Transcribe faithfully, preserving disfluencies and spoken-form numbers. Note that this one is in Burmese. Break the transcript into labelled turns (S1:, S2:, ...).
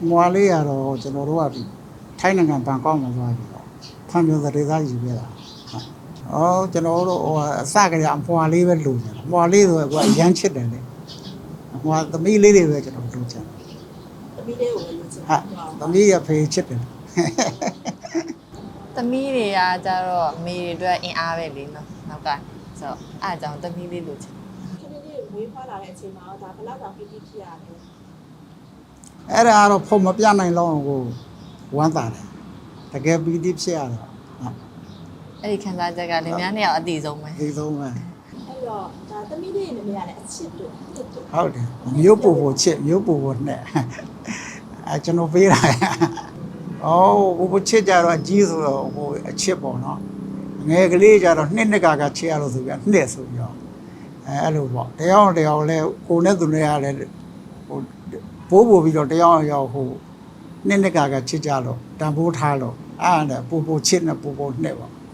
S1: မွာလေးရတော့ကျွန်တော်တို့ကဒီထိုင်းနိုင်ငံဘန်ကောက်မှာသွားပြီးတော့ဖန်ပြသတေသားယူခဲ့တာ။အော်ကျွန်တော်တို့ဟိုအစကတည်းကအမွာလေးပဲလိုချင်တာ။မွာလေးဆိုတော့အရန်ချစ်တယ်လေ။မွာသမီးလေးတွေပဲကျွန်တော်လိုချင်တယ်။သမီးလေးကိုပဲလိုချင်တာ။သမီးရဖေးချစ်တယ်။
S2: သမီးတွေကကြတော့အမေတွေအတွက်အင်အားပဲလေနော်နောက်ကဆိုတော့အားကြောင့်သမီးလေးလိုချင်
S3: ခဏလေးဝေးဖွာလာတဲ့အချိန်မှာဒါဘယ်လောက်တောင်ပီတိဖြစ်ရလဲ
S1: အဲ့ဒါကတော့ဖုံမပြနိုင်လောက်ကိုဝမ်းသာတယ်တကယ်ပီတိဖြစ်ရတော့
S2: အဲ့ဒီခံစားချက်ကလင်မယားနှစ်ယောက်အတိဆုံးပဲ
S1: ဒီဆုံးပဲ
S3: အဲ့တော့ဒါသမီးလေးနဲ့မရတဲ့အချစ်တို့အစ်တို့
S1: ဟုတ်တယ်မျိုးပူပူချစ်မျိုးပူပူနဲ့အဲကျွန်တော်ပေးတာအော်ပူပူချစ်ကြတော့အကြီးဆိုတော့ဟိုအချစ်ပေါ့နော်ငယ်ကလေးကြတော့နှစ်နှစ်ကကချစ်ရလို့ဆိုပြနှစ်ဆိုပြီးတော့အဲအဲ့လိုပေါ့တရားအောင်တရားလဲကိုနဲ့သူနဲ့ရလဲဟိုပိုးပို့ပြီးတော့တရားအောင်ရောက်ဟိုနှစ်နှစ်ကကချစ်ကြလို့တန်ဖိုးထားလို့အဲ့ဒါနဲ့ပူပူချစ်နဲ့ပူပူနှစ်ပေါ့